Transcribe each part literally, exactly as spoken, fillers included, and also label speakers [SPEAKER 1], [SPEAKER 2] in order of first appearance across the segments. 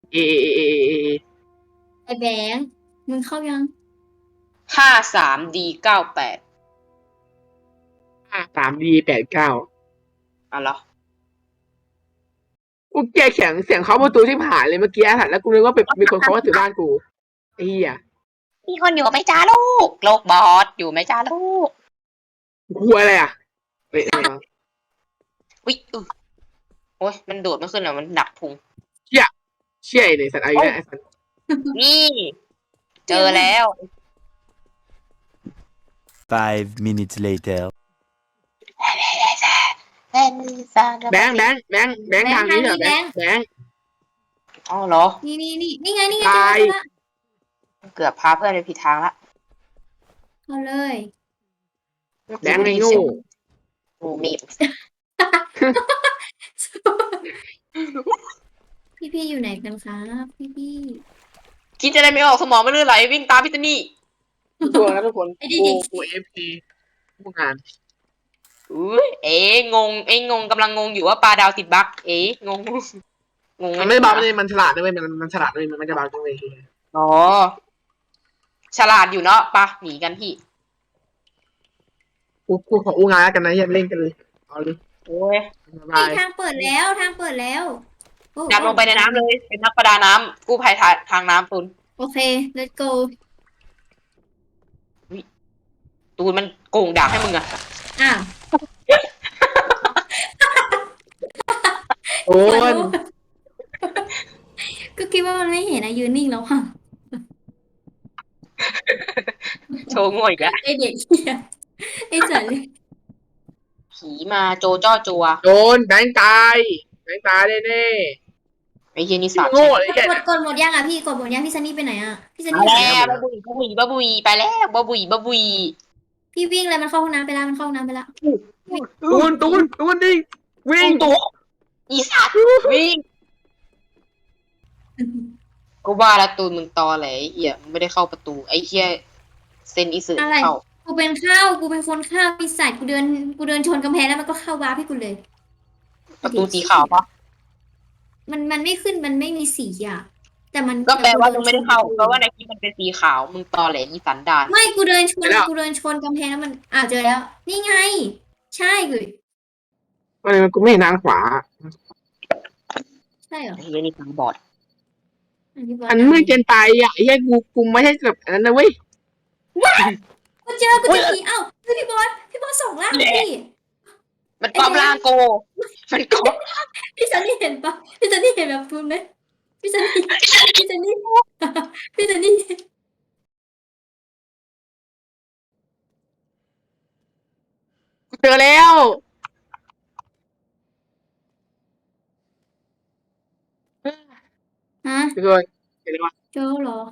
[SPEAKER 1] เอเอเอเอเอเอ
[SPEAKER 2] ไอ้แบงค์มึงเข้ายัง
[SPEAKER 3] ห้าสามดีเก้าแปด
[SPEAKER 1] ห้าสามดีแปดเก้า
[SPEAKER 3] อ๋อเหรอ
[SPEAKER 1] กูแกเสียงเสียงเขาประตูที่ผ่านเลยเมื่อกี้ค่ะแล้วกูนึกว่าเป็นมีคนเขาว่าถือบ้านกูไอ้เหี้ย
[SPEAKER 3] มีคนอยู่ไหมจ้าลูกโลกบอสอยู่ไหมจ้าลูก
[SPEAKER 1] กลัวอะไรอ่ะเฮ้ยอะไรวะ
[SPEAKER 3] วิอือโอ้ยมันโดดไม่ขึ้นอ่ะมันดักพุง
[SPEAKER 1] เชี่ยเชี่ยไอ้สัตว์ไอ้เนี่ยไอ้สัตว์
[SPEAKER 3] นี่ เจอแล้ว
[SPEAKER 4] Five minutes later.
[SPEAKER 1] แบงค์แบงค์แบงค์แบงค์ทางนี้เหรอแบงค์แบงค์
[SPEAKER 3] อ๋อเหรอ
[SPEAKER 2] นี่นี่นี่นี่ไงนี่ไง
[SPEAKER 1] ตาย
[SPEAKER 2] เจอแล้ว
[SPEAKER 3] เกือบพาเพื่อนไปผิดทางละ
[SPEAKER 2] เอาเลย
[SPEAKER 1] แบงค์ไอ้โง่
[SPEAKER 3] โอ้มี
[SPEAKER 2] พี่พี่อยู่ไหนกันครับพี่พี่
[SPEAKER 3] คิดจะได้ไม่ออกสมองไม่ลื่นไหลวิ่งตามพี่ตนี่
[SPEAKER 1] ตัวนะทุกคน
[SPEAKER 2] ไอ้ดิ
[SPEAKER 1] กูกูเอฟซีผู้งาน
[SPEAKER 3] อุ้ยเอ๋งงเอ๋งงกำลังงงอยู่ว่าปลาดาวติดบั๊กเอ๋งงงง
[SPEAKER 1] มันไม่ได้บาปเลยมันฉลาดด้วยมันมันฉลาดด้วยมันไม่ได้บาปด้วย
[SPEAKER 3] อ๋อฉลาดอยู่เนาะปะหนีกันพี่
[SPEAKER 1] กูกูขออู้งานแล้วกันนะอย่าเล่นกันเลยเอาเลย
[SPEAKER 3] โอ้ย
[SPEAKER 1] บาย
[SPEAKER 2] ทางเปิดแล้วทางเปิดแล้วโอ้
[SPEAKER 3] ดำลงไปในน้ำเลยเป็นนักประดาน้ำกู้ภัยทางทางน้ำตุน
[SPEAKER 2] โอเค let's go
[SPEAKER 3] ตูนมันโกงด่าให้มึงอะ
[SPEAKER 2] อ้าว
[SPEAKER 1] โอ้ย
[SPEAKER 2] ก็คิดว่ามันไม่เห็นอะยืนนิ่งแล้วค่ะ
[SPEAKER 3] โชว์ง่วยอีกแล้ว
[SPEAKER 2] ไอเด็กเหี้ยไอสัตว์เลย
[SPEAKER 3] ผีมาโจจ้อจัว
[SPEAKER 1] โดนแบงค์ตายแบงค์ตายแน่
[SPEAKER 3] ไอ้เฮียนี่
[SPEAKER 1] ๆ
[SPEAKER 3] สาบ
[SPEAKER 1] โง่
[SPEAKER 3] ใช่
[SPEAKER 1] เลยแค่
[SPEAKER 2] กดกดหมดยังอะพี่กดหมดยังพี่ซันนี่ไปไหนอะพี่ซัน
[SPEAKER 3] มา
[SPEAKER 2] นี่อยู่ไหน
[SPEAKER 3] แล้วบ้าบุยบ้าบุยบ้าบุยไปแล้วบ้าบุยบ้าบุย
[SPEAKER 2] พี่วิ่งเลยมันเข้าห้องน้ำไปแล้วมันเข้าห้องน้ำไปแล้ว
[SPEAKER 1] ตูนตูนตูนดิวิ่ง
[SPEAKER 3] ตัวอีสัตว์วิ่งก็ว่าแล้วตูนมึงตอแหลไอ้เฮียมึงไม่ได้เข้าประตูไอ้เฮียเซนอีสึ
[SPEAKER 2] อะไร
[SPEAKER 3] เข้า
[SPEAKER 2] กูเป็นข้าวกูเป็นคนข้าวปีศาจกูเดินกูเดินชนกำแพงแล้วมันก็เข้าวาร์ปให้กูเลย
[SPEAKER 3] ประตูสีขาวปะ
[SPEAKER 2] มันมันไม่ขึ้นมันไม่มีสีอ่ะแต่มัน
[SPEAKER 3] ก็แปลว่ามึงไม่ได้เข้าเพราะว่าในคลิปมันเป็นสีขาวมึงตอแหลอีสันดาน
[SPEAKER 2] ไม่กูเดินชนกูเดินชนกำแพงแล้วมันอ่าวเจอแล้ว นี่ไง ใช่กู
[SPEAKER 1] อะไรมันกูไม่เห็นทางขวา
[SPEAKER 2] ใช่เหรอ
[SPEAKER 3] ไอ้เฮียนี่ตาบอด
[SPEAKER 2] อันนี้บก
[SPEAKER 1] อันมืดเกินไปอ่ะไอ้เหี้ยกูกูไม่ใช่แบบอันนั้นนะเว้ย
[SPEAKER 2] กูเจอกูเจอผีเอ้าคือพี่บอสพี่บอสส่งล่างพี่
[SPEAKER 3] มันกอบล่างโก มันกอบ
[SPEAKER 2] พี่ซันนี่เห็นปะพี่ซันนี่เห็นแบบพูนไหมพี่ซันนี่พี่ซันนี่พี่ซันนี่
[SPEAKER 1] กูเจอแล้ว
[SPEAKER 2] ฮะ
[SPEAKER 1] ทุกคนเห็นไหมวะ
[SPEAKER 2] เจอเหรอ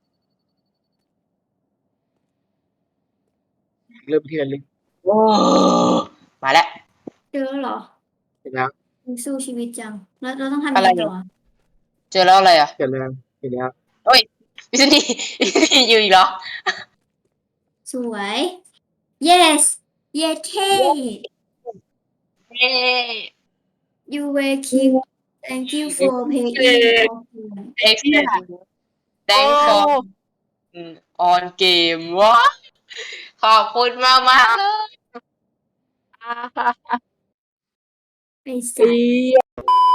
[SPEAKER 1] เริ่มที่ระลึก
[SPEAKER 3] โอ้มาแล้ว
[SPEAKER 2] เจอเหรอ
[SPEAKER 1] เห็นแล้ว
[SPEAKER 2] สู้ชีวิตจังแล้วเราต้องทำ
[SPEAKER 3] อะ
[SPEAKER 2] ยัง
[SPEAKER 3] ไร
[SPEAKER 2] ไง
[SPEAKER 3] เนี่ย
[SPEAKER 2] ต่อ
[SPEAKER 3] เจอแล้วอะไรอ่ะ
[SPEAKER 1] เห็นแล้วเห็นแล้ว
[SPEAKER 3] พี่ซันนี่พี่ซันนี่อยู่อีกเหรอ
[SPEAKER 2] สวย yes yes K
[SPEAKER 3] เย้
[SPEAKER 2] you were king thank you for paying
[SPEAKER 3] เอ็กซ์แตงฟอร์ออนเกมวะขอบคุณมากมากๆเลย
[SPEAKER 2] ไอ้สัส